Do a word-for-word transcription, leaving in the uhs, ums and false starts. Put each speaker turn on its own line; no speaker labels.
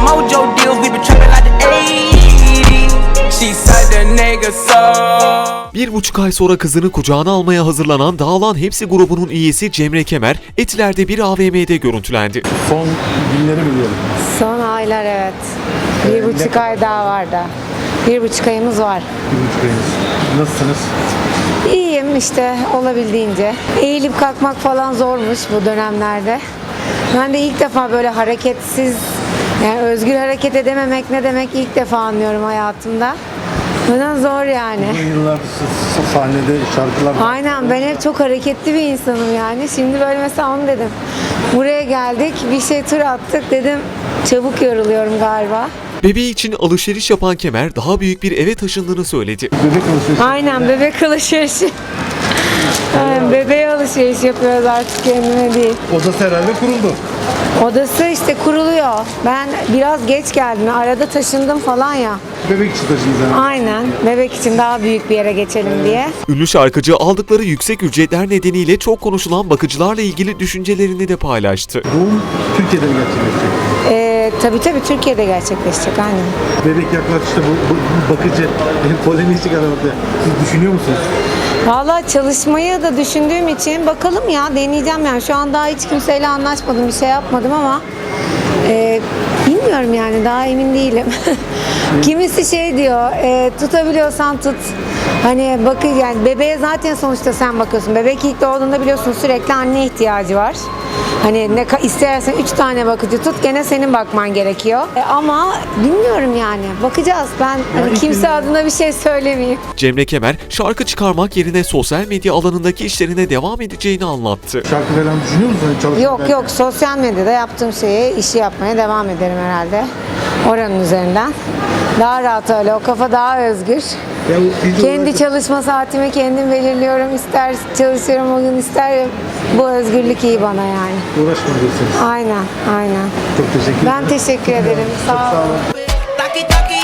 mojo deals, we been trapping like the eighties. She said the nigga so.
Bir buçuk ay sonra kızını kucağına almaya hazırlanan Dağılan Hepsi grubunun üyesi Cemre Kemer, Etiler'de bir A V M'de görüntülendi.
Son günleri biliyorum.
Son aylar evet. Bir buçuk ay daha var da. Bir buçuk ayımız var.
Bir buçuk ayınız. Nasılsınız?
İyiyim işte olabildiğince. Eğilip kalkmak falan zormuş bu dönemlerde. Ben de ilk defa böyle hareketsiz, yani özgür hareket edememek ne demek ilk defa anlıyorum hayatımda. Neden zor yani.
Bu yıllar s- sahnede şarkılar...
Aynen, ben hep çok hareketli bir insanım yani. Şimdi böyle mesela onu dedim. Buraya geldik, bir şey tur attık dedim. Çabuk yoruluyorum galiba.
Bebeği için alışveriş yapan Kemer, daha büyük bir eve taşındığını söyledi.
Bebek alışverişi.
Aynen, bebek alışverişi. Aynen, bebeğe alışveriş yapıyoruz artık, kendime değil.
Odası herhalde kuruldu.
Odası işte kuruluyor. Ben biraz geç geldim. Arada taşındım falan ya.
Bebek için taşıyız yani.
Aynen. Bebek için daha büyük bir yere geçelim diye.
Ünlü şarkıcı aldıkları yüksek ücretler nedeniyle çok konuşulan bakıcılarla ilgili düşüncelerini de paylaştı.
Doğum Türkiye'de mi gerçekleşecek?
Ee, tabii tabii Türkiye'de gerçekleşecek aynen.
Bebek yaklaştı, bu, bu, bu bakıcı polemiği çıkar ortaya. Siz düşünüyor musunuz?
Valla çalışmayı da düşündüğüm için bakalım ya, deneyeceğim yani. Şu an daha hiç kimseyle anlaşmadım, bir şey yapmadım ama e, bilmiyorum yani, daha emin değilim. Kimisi şey diyor, e, tutabiliyorsan tut. Hani bakın yani, bebeğe zaten sonuçta sen bakıyorsun. Bebek ilk doğduğunda biliyorsun sürekli anne ihtiyacı var. Hani ne istersen üç tane bakıcı tut, gene senin bakman gerekiyor. E, ama bilmiyorum yani, bakacağız. Ben hani kimse adına bir şey söylemeyeyim.
Cemre Kemer, şarkı çıkarmak yerine sosyal medya alanındaki işlerine devam edeceğini anlattı.
Şarkı falan düşünüyor musunuz? Hani çalışmak
Yok
belki?
yok, sosyal medyada yaptığım şeyi, işi yapmaya devam ederim herhalde. Oranın üzerinden. Daha rahat öyle, o kafa daha özgür.
Ya bu video
Kendi
olarak-
çalışma saatimi kendim belirliyorum. İster çalışıyorum o gün, ister, bu özgürlük iyi bana yani.
Uğraşma diyorsunuz.
Aynen, aynen.
Çok teşekkür ederim.
Ben teşekkür ederim. Sağ olun.
Taki taki